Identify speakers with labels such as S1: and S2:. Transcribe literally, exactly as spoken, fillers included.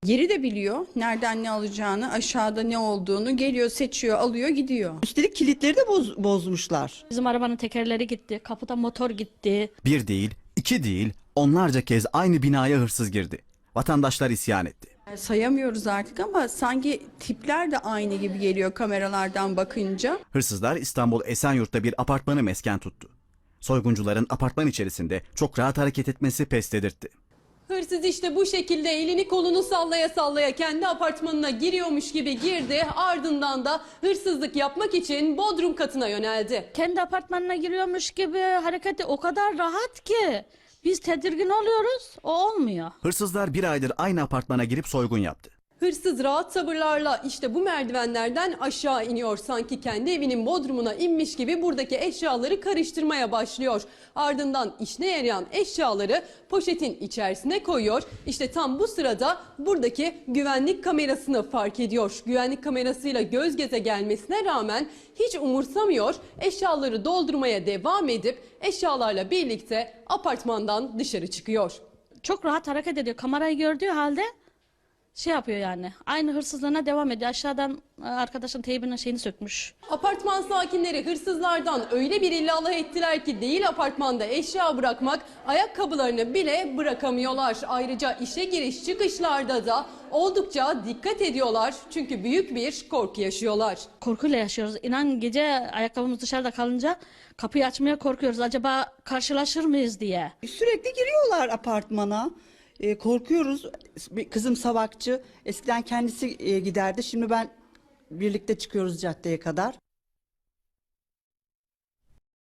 S1: Yeri de biliyor. Nereden ne alacağını, aşağıda ne olduğunu geliyor, seçiyor, alıyor, gidiyor.
S2: Üstelik kilitleri de boz, bozmuşlar.
S3: Bizim arabanın tekerleri gitti, kapıda motor gitti.
S4: Bir değil, iki değil, onlarca kez aynı binaya hırsız girdi. Vatandaşlar isyan etti.
S1: Sayamıyoruz artık ama sanki tipler de aynı gibi geliyor kameralardan bakınca.
S4: Hırsızlar İstanbul Esenyurt'ta bir apartmanı mesken tuttu. Soyguncuların apartman içerisinde çok rahat hareket etmesi pes dedirtti.
S5: Hırsız işte bu şekilde elini kolunu sallaya sallaya kendi apartmanına giriyormuş gibi girdi. Ardından da hırsızlık yapmak için bodrum katına yöneldi.
S3: Kendi apartmanına giriyormuş gibi hareketi o kadar rahat ki biz tedirgin oluyoruz, o olmuyor.
S4: Hırsızlar bir aydır aynı apartmana girip soygun yaptı.
S5: Hırsız rahat tavırlarla işte bu merdivenlerden aşağı iniyor. Sanki kendi evinin bodrumuna inmiş gibi buradaki eşyaları karıştırmaya başlıyor. Ardından işine yarayan eşyaları poşetin içerisine koyuyor. İşte tam bu sırada buradaki güvenlik kamerasını fark ediyor. Güvenlik kamerasıyla göz göze gelmesine rağmen hiç umursamıyor. Eşyaları doldurmaya devam edip eşyalarla birlikte apartmandan dışarı çıkıyor.
S3: Çok rahat hareket ediyor. Kamerayı gördüğü halde şey yapıyor yani. Aynı hırsızlığına devam ediyor. Aşağıdan e, arkadaşın teybinin şeyini sökmüş.
S5: Apartman sakinleri hırsızlardan öyle bir illallah ettiler ki değil apartmanda eşya bırakmak, ayakkabılarını bile bırakamıyorlar. Ayrıca işe giriş çıkışlarda da oldukça dikkat ediyorlar çünkü büyük bir korku yaşıyorlar.
S3: Korkuyla yaşıyoruz. İnan gece ayakkabımız dışarıda kalınca kapıyı açmaya korkuyoruz. Acaba karşılaşır mıyız diye.
S2: Sürekli giriyorlar apartmana. E, korkuyoruz. Bir kızım savakçı. Eskiden kendisi e, giderdi. Şimdi ben birlikte çıkıyoruz caddeye kadar.